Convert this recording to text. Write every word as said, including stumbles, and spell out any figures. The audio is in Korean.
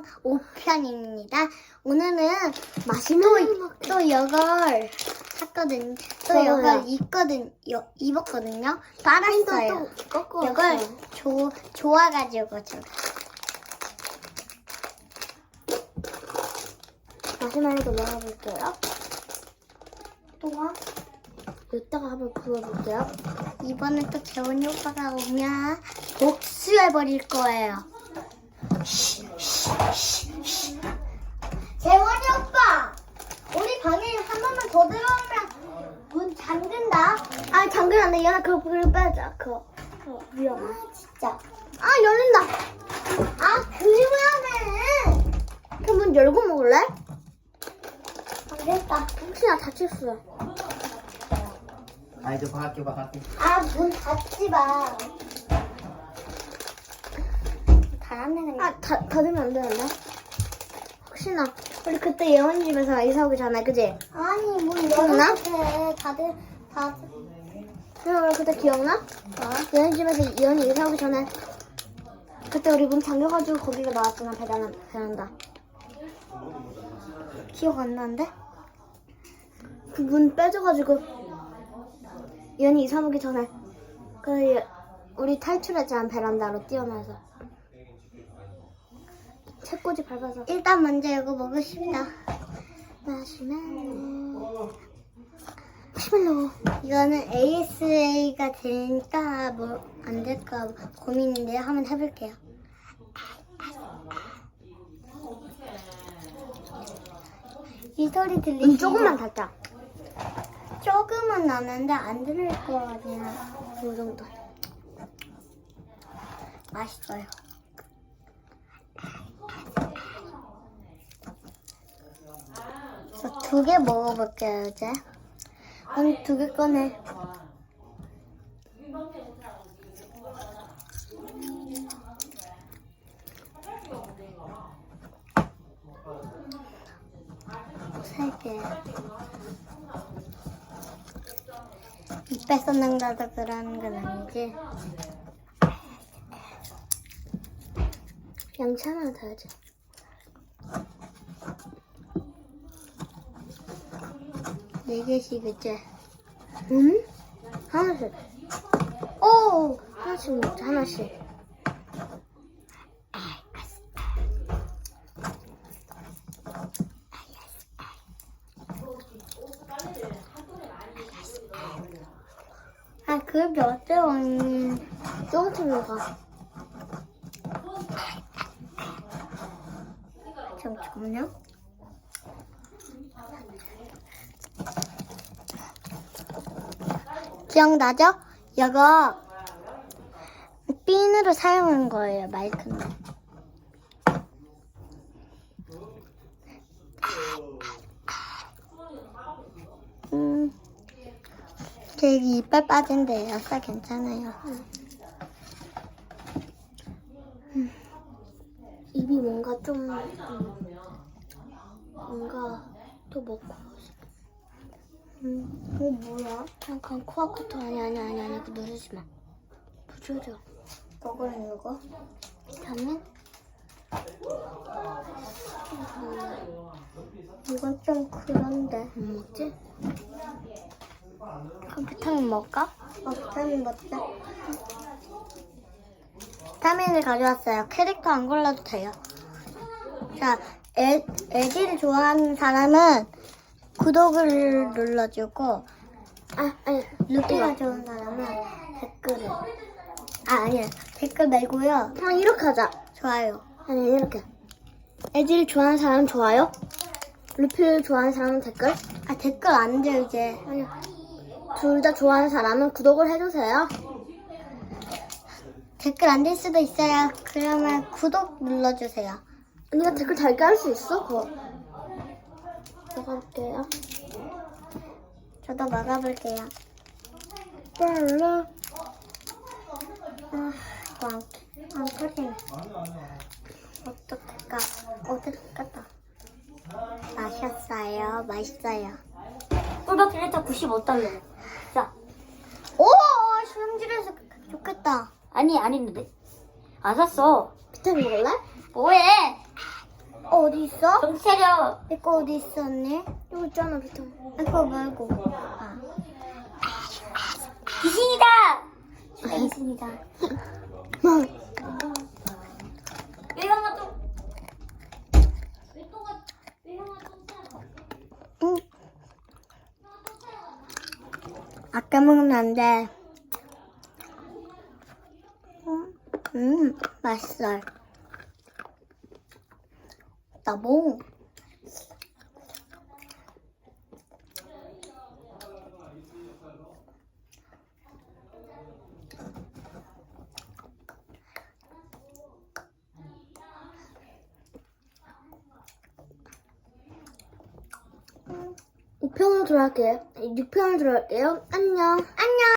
영상 오 편입니다. 오늘은 또, 또 이걸 샀거든요. 또 이걸 입거든, 요, 입었거든요. 빨았어요. 이걸 조, 좋아가지고 제가. 마시멜로도 넣어볼게요. 또한 이따가 한번 구워볼게요. 이번엔 또 재원이 오빠가 오면 복수해버릴 거예요. 재원이 오빠! 우리 방에 한 번만 더 들어오면 문 잠근다. 아 잠깐 안 돼. 얘나 그거 불 빼자. 그거, 그거 위험해. 아, 진짜. 아 열린다. 아, 그만해. 그 문 열고 먹을래? 안 됐다. 혹시나 다칠 수. 아이들 밖에 밖에. 아, 문 닫지 마. 닫았네, 그냥. 아 다, 닫으면 안 되는데? 혹시나 우리 그때 예원이 집에서 이사 오기 전에 그지? 아니, 문 기억나? 열어도 다들, 다들. 응, 우리 그때 기억나? 어? 예원이 집에서 예원이 이사 오기 전에 그때 우리 문 잠겨가지고 거기가 나왔잖아. 베란다. 베란다. 기억 안 나는데? 그 문 빼줘가지고 예원이 이사 오기 전에 그 예- 우리 탈출했잖아. 베란다로 뛰어나서 책꽂이 밟아서. 일단 먼저 이거 먹읍시다. 마시멜로 마시멜로 이거는 에이에스에이가 되니까 뭐 안 될까 고민인데 한번 해볼게요. 이 소리 들리시죠? 음, 조금만 달자. 조금은 나는데 안 들릴 거 아니야. 이 정도. 맛있어요. 저 두 개 먹어볼게요, 이제. 그럼 두 개 꺼내. 세 개. 입에 쏟는다도 그러는 건 아니지. 양치 하나 더 해야지. 네 개씩 이제. 응? 하나씩. 오! 하나씩 먹자, 하나씩. 아, 그게 어때요, 언니? 조금씩 먹어. 잠깐만요. 기억나죠? 이거 핀으로 사용한 거예요, 마이크는. 음, 제 이빨 빠진대요. 살 괜찮아요. 입이 뭔가 좀, 음, 뭔가 또 먹고 싶어. 음, 이거 뭐야? 잠깐 코아코토 아니 아니 아니 아니 그거 누르지 마. 부조져. 먹으면 이거? 비타민? 이건 좀 그런데. 안 먹지? 그럼 비타민 먹을까? 어, 비타민 먹자. 비타민을 가져왔어요. 캐릭터 안 골라도 돼요. 자, 애, 애기를 좋아하는 사람은 구독을 눌러주고, 아 아니 루피가 좋아하는 사람은 댓글을. 아, 아니야. 댓글 말고요. 그냥 이렇게 하자. 좋아요. 아니 이렇게. 애들 좋아하는 사람 좋아요. 루피를 좋아하는 사람은 댓글. 아, 댓글 안 돼요, 이제. 아니 둘 다 좋아하는 사람은 구독을 해주세요. 댓글 안 될 수도 있어요. 그러면 구독 눌러주세요. 언니가 댓글 달게 할 수 있어 그거. 먹어볼게요. 저도 먹어볼게요. 빨라. 아, 이거 안, 안 터지네. 어떡할까? 어떡할까? 마셨어요. 맛있어요. 꿀밖에 일단 구십오 달러. 자. 오! 수영질에서 좋겠다. 아니 안 했는데. 안 샀어. 비타민 먹을래? 뭐해? 어, 어디 있어? 정신 차려. 내 거 어디 있어, 언니? 여기 있잖아, 비통. 아, 그거 말고. 아. 귀신이다. 귀신이다. 왜 형아 또? 왜 또가? 왜 형아 또? 응. 아까 먹으면 안 돼. 음, 음 맛있어. 나봉. 오 편으로 들어갈게요. 육 편으로 들어갈게요. 안녕. 안녕.